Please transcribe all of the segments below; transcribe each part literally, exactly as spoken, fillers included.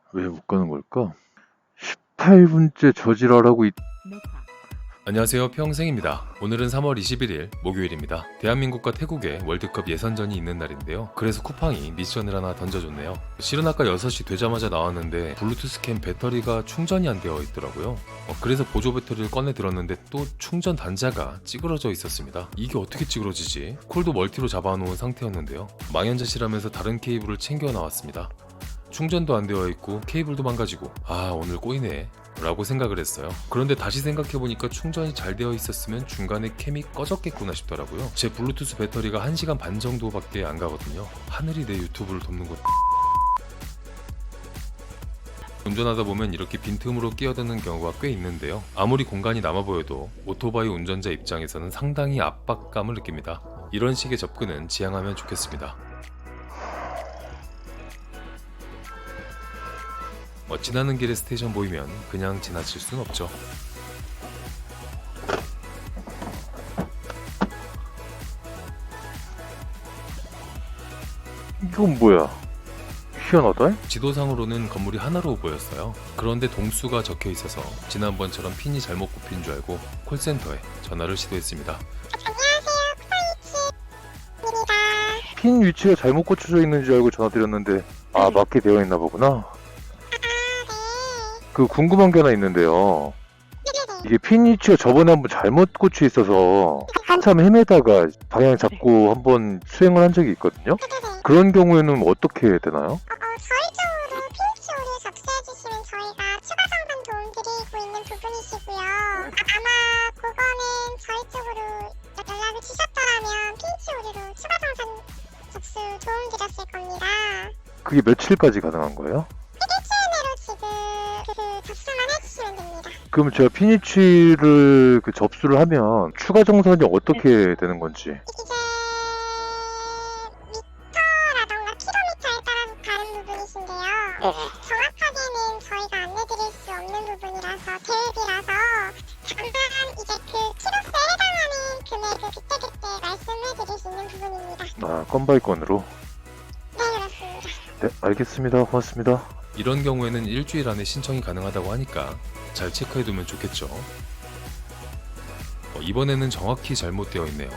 왜 못 가는 걸까? 십팔 분째 저지랄하고 있... 안녕하세요, 평생입니다. 오늘은 삼월 이십일일 목요일입니다. 대한민국과 태국의 월드컵 예선전이 있는 날인데요. 그래서 쿠팡이 미션을 하나 던져줬네요. 실은 아까 여섯 시 되자마자 나왔는데 블루투스 캠 배터리가 충전이 안 되어 있더라고요. 어, 그래서 보조 배터리를 꺼내 들었는데 또 충전 단자가 찌그러져 있었습니다. 이게 어떻게 찌그러지지? 콜도 멀티로 잡아놓은 상태였는데요. 망연자실하면서 다른 케이블을 챙겨 나왔습니다. 충전도 안 되어 있고 케이블도 망가지고 아 오늘 꼬이네 라고 생각을 했어요. 그런데 다시 생각해보니까 충전이 잘 되어 있었으면 중간에 캠이 꺼졌겠구나 싶더라고요. 제 블루투스 배터리가 한 시간 반 정도밖에 안 가거든요. 하늘이 내 유튜브를 돕는 것. 운전하다 보면 이렇게 빈틈으로 끼어드는 경우가 꽤 있는데요. 아무리 공간이 남아 보여도 오토바이 운전자 입장에서는 상당히 압박감을 느낍니다. 이런 식의 접근은 지양하면 좋겠습니다. 어, 지나는 길에 스테이션 보이면 그냥 지나칠 순 없죠. 이건 뭐야? 희한하다? 지도상으로는 건물이 하나로 보였어요. 그런데 동수가 적혀 있어서 지난번처럼 핀이 잘못 꼽힌 줄 알고 콜센터에 전화를 시도했습니다. 핀 위치가 잘못 꽂혀져 있는 줄 알고 전화드렸는데 아 맞게 되어 있나 보구나. 그 궁금한 게 하나 있는데요. 이게 핀 위치가 저번에 한번 잘못 꽂혀 있어서 한참 헤매다가 방향 잡고 한번 수행을 한 적이 있거든요. 그런 경우에는 어떻게 되나요? 어, 저희 쪽으로 피니치오를 접수해주시면 저희가 추가 상담 도움드리고 있는 부분이시고요. 아, 아마 그거는 저희 쪽으로 연락을 주셨더라면 피니치오로 추가 상담 접수 도움드렸을 겁니다. 그게 며칠까지 가능한 거예요? 일주일 내로 지금 그 접수만 해주시면 됩니다. 그럼 제가 핀 위치를 그 접수를 하면 추가 정산이 어떻게 되는 건지. 이게 미터라던가 킬로미터에 따라서 다른 부분이신데요. 정확하게는 저희가 안내드릴 수 없는 부분이라서 계획이라서 다만 이제 그 키로수에 해당하는 금액을 그때그때 말씀해드릴 수 있는 부분입니다. 아 건바이 건으로. 네, 그렇습니다. 네 알겠습니다. 고맙습니다. 이런 경우에는 일주일 안에 신청이 가능하다고 하니까 잘 체크해두면 좋겠죠. 어, 이번에는 정확히 잘못되어 있네요.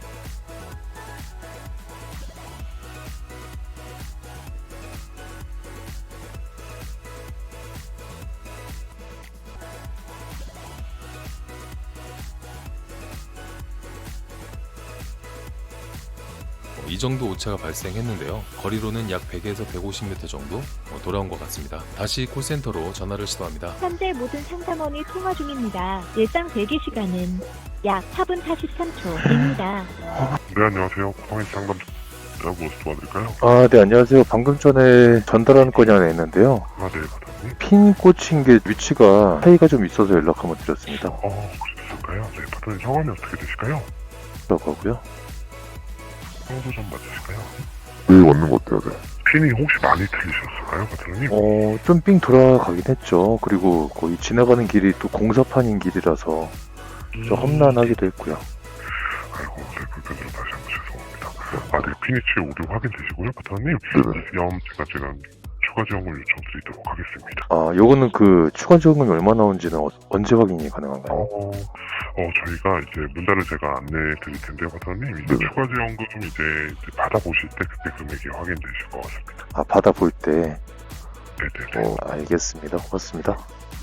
어, 이 정도 오차가 발생했는데요. 거리로는 약 백에서 백오십 미터 정도 어, 돌아온 것 같습니다. 다시 콜센터로 전화를 시도합니다. 현재 모든 상담원이 통화 중입니다. 예상 대기 시간은 약 사 분 사십삼 초입니다. 네, 안녕하세요. 쿠팡에서 상담 무엇 도와드릴까요? 아 네 안녕하세요. 방금 전에 전달한 건이 하나 있는데요. 아, 네, 바다님. 핀 꽂힌 게 위치가 차이가 좀 있어서 연락 한번 드렸습니다. 어, 그러셨을까요? 네, 바다님 성함이 어떻게 되실까요? 라고 하고요. 평소 좀 맞으실까요? 네, 맞는 것 같아요, 네. 핀이 혹시 많이 틀리셨을까요, 바다님? 어, 좀 삥 돌아가긴 했죠. 그리고 거의 지나가는 길이 또 공사판인 길이라서 좀 험난하기도 했고요. 아이고, 네, 불편드려 다시 한번 죄송합니다. 아, 네, 피니치 오류 확인되시고요, 바다님. 네네. 그럼 제가 지금 추가 지원을 요청드리도록 하겠습니다. 아, 요거는 그 추가 지원금이 얼마 나오는지는 어- 언제 확인이 가능한가요? 어, 어, 저희가 이제 문자를 제가 안내해 드릴 텐데요, 바다님. 이제 네네. 추가 지원금 이제, 이제 받아보실 때 그때 금액이 확인되실 것 같습니다. 아, 받아볼 때. 네네네. 어, 알겠습니다. 고맙습니다.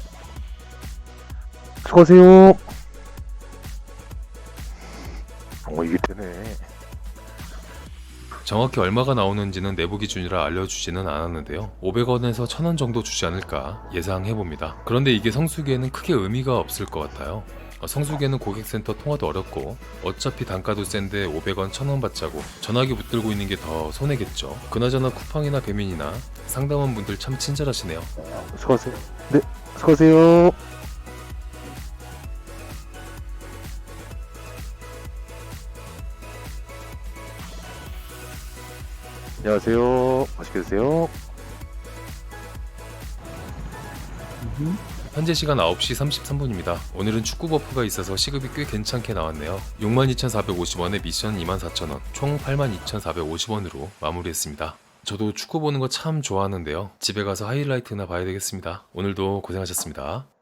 수고하세요. 어, 이게 되네. 정확히 얼마가 나오는지는 내부 기준이라 알려주지는 않았는데요. 오백 원에서 천 원 정도 주지 않을까 예상해봅니다. 그런데 이게 성수기에는 크게 의미가 없을 것 같아요. 어, 성수기에는 고객센터 통화도 어렵고 어차피 단가도 센데 오백 원, 천 원 받자고 전화기 붙들고 있는 게 더 손해겠죠. 그나저나 쿠팡이나 배민이나 상담원 분들 참 친절하시네요. 수고하세요. 네, 수고하세요. 안녕하세요. 맛있게 드세요. 현재 시간 아홉 시 삼십삼 분입니다. 오늘은 축구 버프가 있어서 시급이 꽤 괜찮게 나왔네요. 육만 이천사백오십 원에 미션 이만 사천 원, 총 팔만 이천사백오십 원으로 마무리했습니다. 저도 축구 보는 거 참 좋아하는데요. 집에 가서 하이라이트나 봐야 되겠습니다. 오늘도 고생하셨습니다.